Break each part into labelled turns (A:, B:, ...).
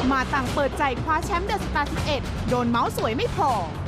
A: มาต่างเปิดใจคว้าแชมป์เดอะสตาร์11 โดนเมาส์สวยไม่พอ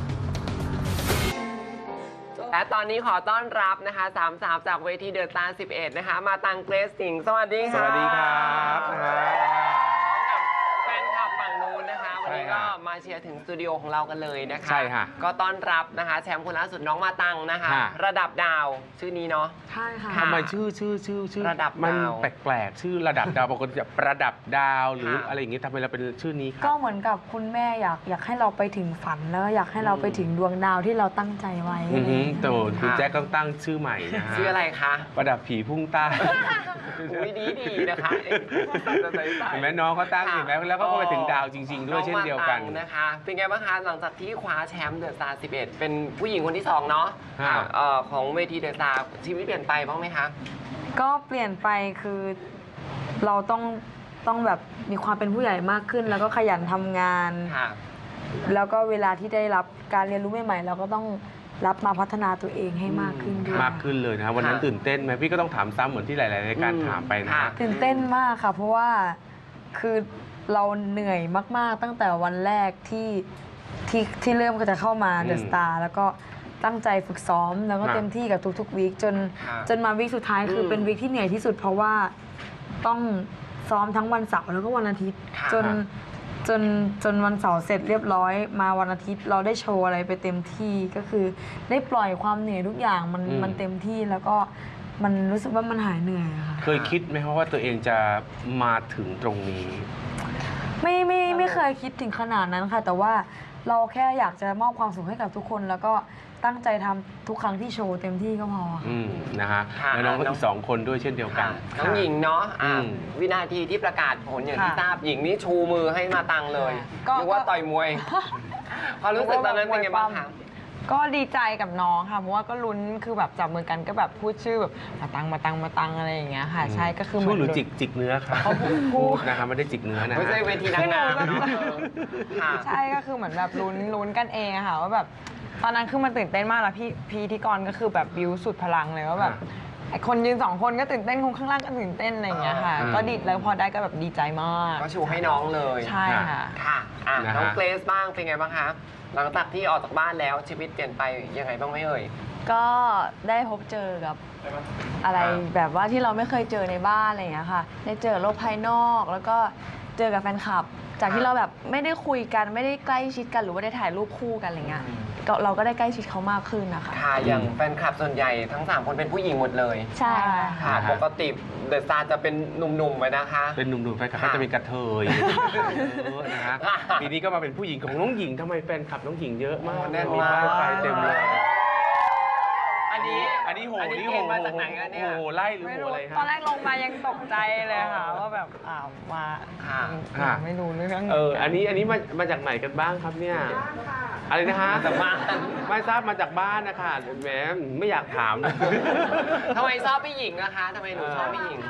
B: และตอนนี้ขอต้อนรับนะคะสามสาวจากเวทีเดอะสตาร์11นะคะมาตังเกรซสิงห์สวัสดีค่ะ
C: สวัสดีครับ
B: พร้อมกับแฟนคลับฝั่งนู้นนะคะวันนี้ก็มาเชียร์ถึงสตูดิโอของเรากันเลยนะคะ
C: ใช่ค่ะ
B: ก็ต้อนรับนะคะแชมป์คนล่าสุดน้องมาตังนะคะ
C: ค่ะ
B: ระดับดาวชื่อนี้เนาะ
D: ใช่ค่ะ
B: ค่ะ
C: ทำไมชื่อ
B: ระดับ
C: มัน
B: ดาว
C: แปลกๆชื่อระดับดาวบางคนจะประดับดาวหรือ
B: ค่ะ
C: อะไรอย่างงี้ทำไมเราเป็นชื่อนี้ค
D: ก็
C: รับ
D: เหมือนกับคุณแม่อยากให้เราไปถึงฝันแล้วอยากให้เราไปถึงดวงดาวที่เราตั้งใจไว้
C: อือหือแต่คุณ
B: ค่ะ
C: แจ็คต้องตั้งชื่อใหม่นะฮะ
B: ชื่ออะไรคะ
C: ประดับผีพุ่งใต้
B: อุ้ยดีนะคะจะใส่
C: เห็นไหมน้องเขาตั้ง
B: ค่ะ
C: เห็นไหมแล้วก็ไปถึงดาวจริง ๆ ด้วยเช่นเดียวกัน
B: องมาตังนะคะเป็นไงบ้างคะหลังจากที่คว้าแชมป์เดอะสตาร์11เป็นผู้หญิงคนที่2เนาะ
C: ค่ะ
B: ของเวทีเดอะสตาร์ชีวิตเปลี่ยนไปบ้างไหมคะ
D: ก็เปลี่ยนไปคือเราต้องแบบมีความเป็นผู้ใหญ่มากขึ้น แล้วก็ขยันทำงาน
B: ค่ะ
D: แล้วก็เวลาที่ได้รับการเรียนรู้ใหม่ๆเราก็ต้องรับมาพัฒนาตัวเองให้มากขึ้นด้วย
C: มากขึ้นเลยนะวันนั้น
B: ค่ะ
C: ตื่นเต้นไหมพี่ก็ต้องถามซ้ำเหมือนที่หลายๆรายการถามไปนะ
B: ค่ะ
C: ฮะ
D: ตื่นเต้นมากค่ะ เพราะว่าคือเราเหนื่อยมากๆตั้งแต่วันแรกที่เริ่มก็จะเข้ามาเดอะสตาร์แล้วก็ตั้งใจฝึกซ้อมแล้วก็
C: ครับ
D: เต็มที่กับทุกๆวีคจนมาวีคสุดท้ายคืออ
B: ม
D: เป็นวีคที่เหนื่อยที่สุด เพราะว่าต้องซ้อมทั้งวันเสาร์แล้วก็วันอาทิตย์
B: ค่ะ
D: จนวันเสาร์เสร็จเรียบร้อย มาวันอาทิตย์เราได้โชว์อะไรไปเต็มที่ก็คือได้ปล่อยความเหนื่อยทุกอย่างมันเต็มที่แล้วก็มันรู้สึกว่ามันหายเหนื่อยอะค่ะ
C: เคยคิดไหมครับว่าตัวเองจะมาถึงตรงนี้
D: ไม่เคยคิดถึงขนาดนั้นค่ะ แต่ว่าเราแค่อยากจะมอบความสุขให้กับทุกคน แล้วก็ตั้งใจทำทุกครั้งที่โชว์เต็มที่ก็พอค่ะ
C: นะฮะ
B: ค่ะ
C: แล้วน้องก็อีก2 คนด้วยเช่นเดียวกัน
B: น้องหญิงเนาะวินาทีที่ประกาศผลอย่างที่
D: ค่ะ
B: ทราบหญิงนี่ชูมือให้มาตังเลย
D: ก็
B: เรียกว่าต่อยมวยความรู้สึกตอนนั้นเป็นไงบ้างคะ
E: ก็ดีใจกับน้องค่ะเพราะว่าก็ลุ้นคือแบบจับมือกันก็แบบพูดชื่อแบบมาตังอะไรอย่างเงี้ยค่ะ ใช่ก็คือเหมื
C: พู
E: อ
C: ด
E: น
C: หรือจิกเนื้อครับ
E: เขาพูด
C: นะครับไม่ได้จิกเนื้อนะ
B: ไม่ใช่เวทีนางงาม
E: ไม่รู้
B: เนาะค่ะ
E: ใช่ก็คือเหมือนแบบลุ้นกันเองอะค่ะว่าแบบตอนนั้นคือมันตื่นเต้นมากแล้วพี่พิธีกรก็คือแบบบิวสุดพลังเลยว่าแบบไอ้คนยืน2 คนก็ตื่นเต้นคนข้างล่างก็ตื่นเต้นอะไรอย่างเงี้ยค่ะ ก็ดีแล้วพอได้ก็แบบดีใจมาก
B: ก็ชูให้น้องเลย
E: ใช่ค่ะ
B: ค่ะ
C: นะฮะ
B: น้องเกรซบ้างเป็นไงบ้างคะหลังจากที่ออกจากบ้านแล้วชีวิตเปลี่ยนไปยังไงบ้างไหมเอ่ย
F: ก็ได้พบเจอกับอะไรแบบว่าที่เราไม่เคยเจอในบ้านอะไรอย่างเงี้ยค่ะ ได้เจอโลกภายนอก แล้วก็เจอกับแฟนคลับ จากที่เราแบบไม่ได้คุยกันไม่ได้ใกล้ชิดกันหรือว่าได้ถ่ายรูปคู่กันอะไรเงี้ยก็เราก็ได้ใกล้ชิดเขามากขึ้นนะคะ
B: ค่ะอย่างแฟนคลับส่วนใหญ่ทั้ง3 คนเป็นผู้หญิงหมดเลย
F: ใช่
B: ค่ะ ปกติเดอะสตาร์จะเป็นหนุ่มๆไว้นะคะ
C: เป็นหนุ่มๆแฟนคลับ
B: ค่ะ
C: ก็จะเป็นกระเทยนะฮะ
B: ค่ะ
C: ปีนี้ก็มาเป็นผู้หญิงของน้องหญิงทำไมแฟนคลับน้องหญิงเยอะมาก
B: แน่น
C: มี
B: มาก
C: ไฟเต็มเลย
B: อันนี้
C: อันนี้โห
B: เกณฑ์มาจากไหนกันเนี่ย
C: โหไล่หรือ
E: ไม่
C: โห
E: รู้
C: อะไร
E: ตอนแร
C: ฮะ
E: กลงมายังตกใจเลยค่ะว่าแบบมา
B: ค่ะ
C: ค่ะ
E: ไม่รู้เรื่อง
C: อันนี้มาจากไหนกันบ้างครับเนี่ยอะไรนะฮะ
B: จากบ้าน
C: ไม่ทราบมาจากบ้านนะคะแหมไม่อยากถามเลย
B: ทำไมชอบพี่หญิงนะคะทำไมหนูชอบพี่หญิง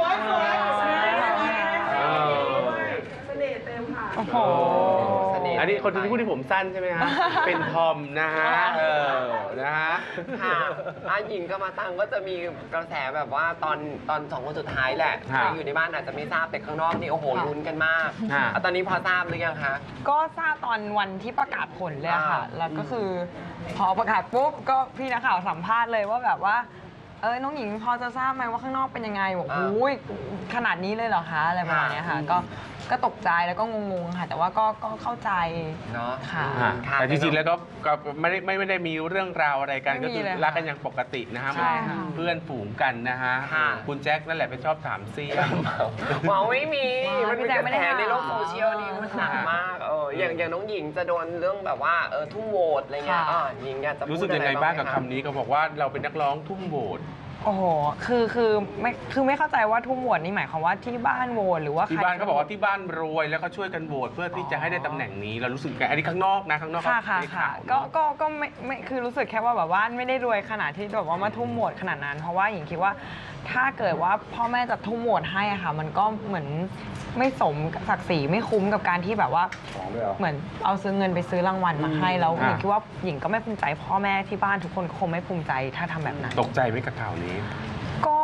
C: เออ
E: โอ้โห
B: เสน่ห์
C: อันนี้คนที่พูดที่ผมสั้นใช่ไหมฮะ เป็นทอมนะฮะนะฮะ
B: ค่ะหญิงกับมาตังก็จะมีกระแสแบบว่าตอน2 คนสุดท้ายแหละ
C: ค่ะ
B: ที่อยู่ในบ้านอาจจะไม่ทราบแต่ข้างนอกนี่โอ้โหลุ้นกันมาก
C: ค่ะ
B: ตอนนี้พอทราบหรือยังคะ
E: ก็ทราบตอนวันที่ประกาศผลเลยอะค่ะ
B: อ่า
E: แล้วก็คือพอประกาศปุ๊บก็พี่นักข่าวสัมภาษณ์เลยว่าแบบว่าน้องหญิงพอจะทราบไหมว่าข้างนอกเป็นยังไงบอกโอ้ยขนาดนี้เลยเหรอคะอะไรประมาณเนี้ยค่ะก็ตกใจแล้วก็งงๆค่ะ แต่ว่าก็เข้าใจ
B: เนาะ
E: ค่ะ
C: แต่จริงๆ แล้วก็ไม่ได้มีเรื่องราวอะไรกัน
E: ไม่
C: ก็
E: มี
C: คือ
E: เลยค่ะ
C: รักกันอย่างปกตินะฮะ
E: ใช่ค่ะ
C: เพื่อนฝูงกันนะฮะ
B: ค่ะ
C: คุณแจ็คนั่นแหละไปชอบถามเซี่ยม
B: หวังไม่มี
E: ว้าว
B: มันเป็น
E: พี่แจ๊
B: ก
E: ค
B: ระ
E: ไม่
B: แส
E: ได้
B: ในโลก
E: หา
B: โซเชียลนี่มันหนักมากอย่างน้องหญิงจะโดนเรื่องแบบว่าทุ่มโหวตอะไรเงี้ย
E: ค่ะ
B: หญิงอยากจะพูด
C: รู้สึกยังไง
B: อะ
C: บ้างกับ
B: หมะ
C: คำนี้ก็บอกว่าเราเป็นนักร้องทุ่มโหวต
E: โอ้โหคือไม่เข้าใจว่าทุ่มโหวตนี่หมายความว่าที่บ้านโหวตหรือว่า
C: ที่บ้านเขาบอกว่าที่บ้านรวยแล้วก็ช่วยกันโหวตเพื่อที่จะให้ได้ตำแหน่งนี้เรารู้สึกไงอันนี้ข้างนอกนะข้างนอก
E: ค่ะ
C: เขาได้ข่าว
E: ก็
C: เนาะ
E: ก็ไม่คือรู้สึกแค่ว่าแบบว่าไม่ได้รวยขนาดที่แบบว่ามาทุ่มโหวตขนาดนั้น เพราะว่าหญิงคิดว่าถ้าเกิดว่าพ่อแม่จะทุ่มโหวตให้อะค่ะ มันก็เหมือนไม่สมศักดิ์ศรีไม่คุ้มกับการที่แบบว่าเหมือนเอาซื้อเงินไปซื้อรางวัลมาให้แล้วหญิงคิดว่าหญิงก็ไม่ภูมิใจพ่อแม่ที่บ้านทุกคนก็คงไม่ภูมิใจถ้าทำแบบนั้น
C: ตกใจไหมกับข่าวนี้
E: ก็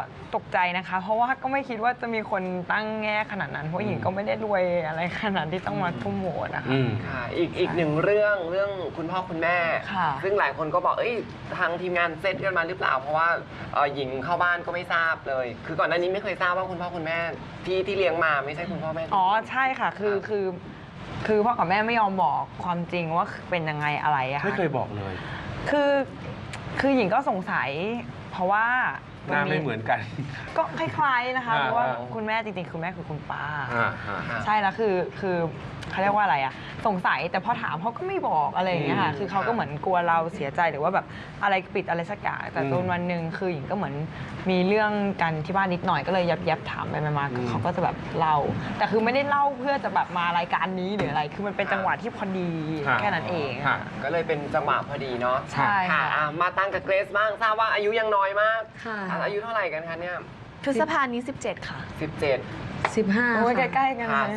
E: ตกใจนะคะ เพราะว่าก็ไม่คิดว่าจะมีคนตั้งแง่ขนาดนั้นเพราะหญิงก็ไม่ได้รวยอะไรขนาดที่ต้องมาทุ่มโหวตนะคะ
B: ค่ะอีกหนึ่งเรื่องคุณพ่อคุณแม่
E: ค่ะ
B: ซึ่งหลายคนก็บอกทางทีมงานเซตกันมาหรือเปล่า เพราะว่าหญิงเข้าบ้านก็ไม่ทราบเลย คือก่อนหน้านี้ไม่เคยทราบว่าคุณพ่อคุณแม่ที่เลี้ยงมาไม่ใช่คุณพ่อแม่
E: อ๋อใช่ค่ะคือพ่อกับแม่ไม่ยอมบอกความจริงว่าเป็นยังไงอะไรอะค่ะ
C: ไม่เคยบอกเลย
E: คือหญิงก็สงสัยเพราะว่า
C: หน้าไม่เหมือนกัน
E: ก็คล้ายๆนะคะ
C: อ่า
E: เพราะว่าคุณแม่จริงๆคือแม่คือคุณป้า
C: อ่า
E: ใช่แล้วคือเขาเรียกว่าอะไรอะสงสัยแต่พอถามเขาก็ไม่บอกอะไรอย่างเงี้ยค่ะคือเขาก็เหมือนกลัวเราเสียใจหรือว่าแบบอะไรปิดอะไรสักอย่างแต่จนวันหนึ่งคือหญิงก็เหมือนมีเรื่องกันที่บ้านนิดหน่อยก็เลยยับถามไปมาเขาก็จะแบบเล่าแต่คือไม่ได้เล่าเพื่อจะแบบมารายการนี้หรืออะไร คือมันเป็นจังหวะที่พอดีแค่นั้นเอง
C: ค่ะ
B: ก็เลยเป็นจังหวะพอดีเนาะ
E: ใช่
B: ค่ะ
E: ค่ะ
B: มาตั้งกับเกรซบ้างทราบว่าอายุยังน้อยมาก
D: ค่ะ
B: อายุเท่าไหร่กันคะเนี่ย
F: พฤษภานี้ 17 ค่ะ
B: 17
D: 15
E: โอ้ย
D: ค่ะ
E: ใกล้ๆกัน
B: ค่ะ
E: เลย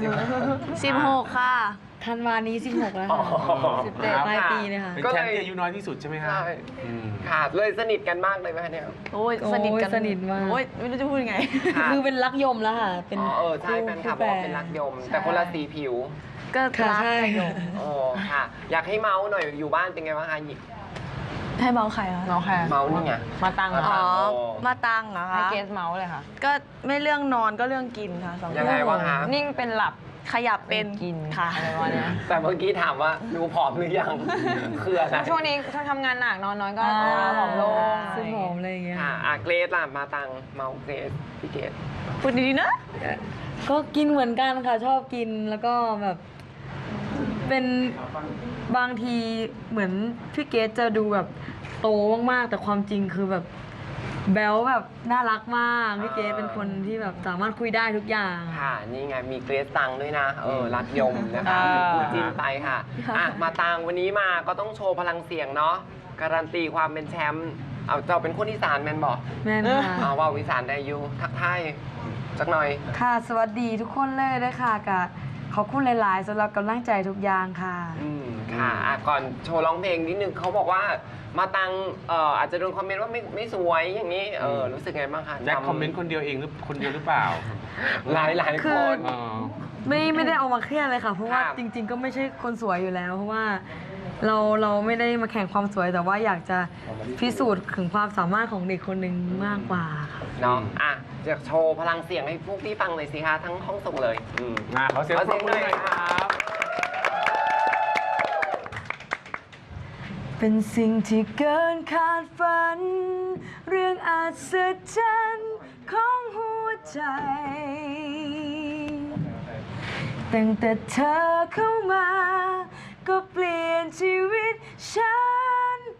F: 16 ค่ะ
D: ธันวานี้ 16 แล้ว
B: อ๋อ
D: ค่ะปลายปีเลยค่ะ
C: เป็น
B: ก็เลย
C: แชมป์ที่อายุน้อยที่สุดใช่ไหมฮะ
B: ใช่
C: อืม
B: ค่ะเลยสนิทกันมากเลยไหมคะเนี่ย
F: โอ้ยสนิทกัน
D: โอ้ยสนิทมาก
F: โอ้ยไม่รู้จะพูดยังไง
B: ค่ะ
D: คือเป็นรักยมแล้วค่ะ เป็น
B: ใช่แฟนคลับบอกว่าเป็นรักยม แต่คนละสีผิว
F: ก็
D: ค่ะ
F: รัก
D: ใช่
F: กันอยู่
B: โอ้ค่ะ อยากให้เมาส์หน่อยอยู่บ้านเป็นไงบ้างคะหยิก
F: ให้เมาส์ใครคะ
E: เมาส์ค่ะ
B: เมาส์นี่ไง
E: มาตัง
F: อ๋อ
B: โอ้
F: มาตังเหรอ
E: ให้
F: คะ
E: เกสเมาส์เลยค่ะ
F: ก็ไม่เรื่องนอนก็เรื่องกินค่ะสอง
B: ยัง
F: เรื่
B: ไง
F: อง
B: วะคะ
E: นิ่งเป็นหลับ
F: ขยับเป็น
E: กิน
F: ค่ะ
E: อะไรประมาณเนี้ย
B: แต่เมื่อกี้ถามว่าดูผอมหรือยังคืออะไร
E: ช่วงนี้ช่วงทำงานหนักนอนน้อยก็
D: อ่า
E: ผอมลง
D: ซึ่งผอมอะไรอย่างเงี้ย
B: ค่ะเกรซล่ะมาตังเมาส์เกรซพี่เกรซ
F: พูดดีๆนะ
D: ก็กินเหมือนกันค่ะ ชอบกินแล้วก็แบบ เป็นบางทีเหมือนพี่เกดจะดูแบบโตมากๆ แต่ความจริงคือแบบแบลแบบน่ารักมากพี่เกดเป็นคนที่แบบสามารถคุยได้ทุกอย่าง
B: ค่ะ นี่ไงมีเกรซตังด้วยนะรักยมนะคะ
E: อ่า
B: พูดจีนไปค่ะมาตังวันนี้มาก็ต้องโชว์พลังเสียงเนาะการันตีความเป็นแชมป์เอาเจ้าเป็นคนอีสานแมนบอก
D: แม่นค่ะ
B: เอาว่าอีสานได้อยู่ทักทายสักหน่อย
D: ค่ะ สวัสดีทุกคนเลยด้วยค่ะกับขอบคุณหลาย ๆสำหรับกำลังใจทุกอย่างค่ะ
B: ค่ะก่อนโชว์ร้องเพลงนิดนึงเขาบอกว่ามาตังอาจจะโดนคอมเมนต์ว่าไม่สวยอย่างนี้รู้สึกไงบ้างคะ
C: แจ็คคอมเมนต์คนเดียวเองหรือคนเดียวหรือเปล่า
B: หลาย
D: คื
B: ค
D: อ
B: น
C: อ๋อ
D: ไม่ได้เอามาเครียดเลยค่ะ เพราะว่า
B: ครับ
D: จริง ๆ ก็ไม่ใช่คนสวยอยู่แล้ว เพราะว่าเราไม่ได้มาแข่งความสวยแต่ว่าอยากจะพิสูจน์ถึงความสามารถของเด็กคนหนึ่งมากกว่าค่ะ
B: เนาะจะโชว์พลังเสียงให้พวกพี่ฟังเลยสิคะทั้งห้องส่งเลย
C: ขอเสียงปรบมือหน่อยครับ
D: เป็นสิ่งที่เกินคาดฝัน เรื่องอัศจรรย์ของหัวใจตั้งแต่เธอเข้ามา ก็เปลี่ยนชีวิตฉันไป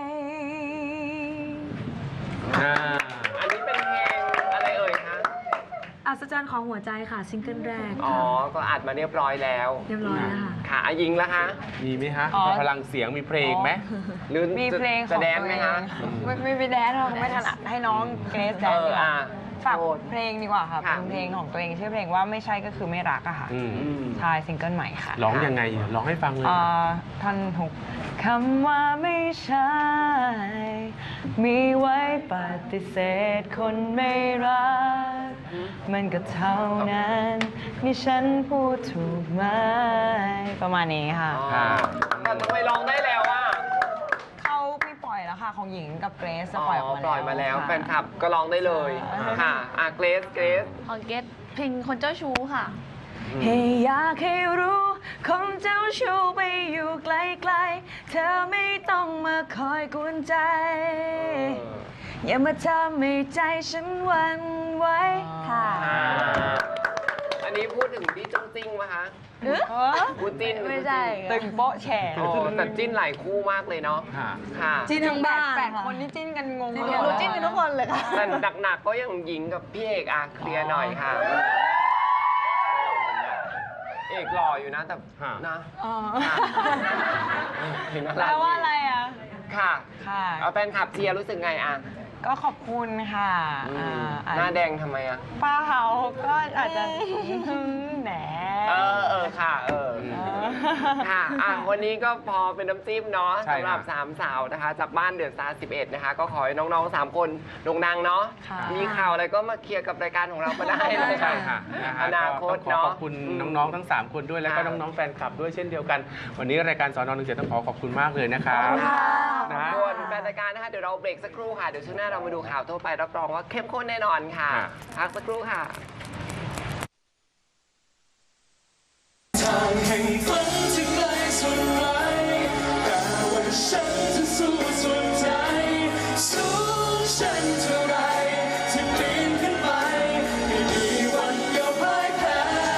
B: อันนี้เป็นเพลงอะไรเอ่ยคะ
D: อัศจรรย์ของหัวใจค่ะซิงเกิลแรก
B: อ๋อ
D: ค่ะ
B: ก็อัดมาเรียบร้อยแล้ว
D: เรียบร้อยแล้วค่ะ
B: ค่ะยิงแล้วคะ
C: มีไหมฮะ
E: อ๋อ
C: พลังเสียงมีเพลงไหม
B: หรือ
E: มีเพลงข
B: จะ
E: อง
B: แดน
E: ตัว
B: ไหม
E: เอง
B: คะ
E: ไม่ไปแดนหรอกไม่ถนัดให้น้องเกรซแดนดีกว่าฝากเพลงดีกว่าค่ะ
B: ค่ะ
E: เป็นเพลงของตัวเองชื่อเพลงว่าไม่ใช่ก็คือไม่รักอะค่ะ
C: อืม
E: ใช่ซิงเกิลใหม่ค่ะ
C: ร้องยังไงร้องให้ฟังเลย
E: ท่อนหกคำว่าไม่ใช่ มีไว้ปฏิเสธคนไม่รัก มันก็เท่านั้น นี่ฉันพูดถูกไหมประมาณนี้ค่ะ
B: แต่ทำไมร้องได้แล้วอ่ะ
E: เขาไม่ปล่อยแล้วค่ะ ของหญิงกับเกรซจะปล่อยออกมาแล้ว
B: ปล่อยมาแล้ว
E: ค่ะ
B: แฟนคลับก็ร้องได้เลย ค่ะเกรซ
F: ของเกตเพลงคนเจ้าชู้ค่ะ
D: ให้อยากให้รู้คนเจ้าชู้ไปอยู่ไกลๆเธอไม่ต้องมาคอยกวนใจ อย่ามาทำให้ใจฉันหวั่นไหวค่ะ
B: อันนี้พูดถึงพี่จ้งจิ้งไหมคะ พูดจิ้น
F: ไม่ใช่
E: ตึงโป๊ะแฉ
B: โอ้แต่จิ้นหลายคู่มากเลยเนาะ
C: ค่ะ
B: ค่ะ
D: จิ้นทั้งบ้าน
E: แปด
D: ค่ะ
E: คนที่จิ้นกันงง
F: รู้จิ้นกันทุกคนเลยค่ะ
B: แต่หนักๆก็ยังหญิงกับพี่เอกเคลียร์หน่อยค่ะ เอกหล่ออยู่นะแต่
C: ฮะ
B: นะ
E: อ๋อ
B: เห็น
E: แปลว่าอะไรอ่ะ
B: ค่ะ
E: ค่ะ
B: เอาแฟนคลับเชียร์รู้สึกไง
E: ก็ขอบคุณค่ะ
B: หน้าแดงทำไม
E: เปล่าก็อาจจะแหน
B: ค่ะค่ะวันนี้ก็พอเป็นน้ำจิ้มเนาะ
C: ใช่
B: สำหรับ
C: ค่ะ
B: 3 สาวนะคะ จากบ้านเดือดซา11นะคะ ก็ขอให้น้องๆ 3 คนโด่งดังเนาะ
F: ค่ะ
B: มีข่าวอะไรก็มาเคลียร์กับรายการของเราก็ได้เลย
C: ใช่ค่ะนะฮะ
B: อนาคต
C: ก็ต้องขอ
B: เนาะ
C: ขอบคุณน้องๆทั้ง 3 คนด้วยแล้วก็
B: ค่ะ
C: น้องๆแฟนคลับด้วยเช่นเดียวกัน วันนี้รายการสอน17ต้องขอขอบคุณมากเลยนะครับ นะ
B: ส่วนแฟนรายการนะคะ เดี๋ยวเราเบรกสักครู่ค่ะ เดี๋ยวช่วงหน้าเรามาดูข่าวทั่วไปรับรองว่าเข้มข้นแน่นอนค่ะ
C: ค่ะ
B: พักสักครู่ค่ะ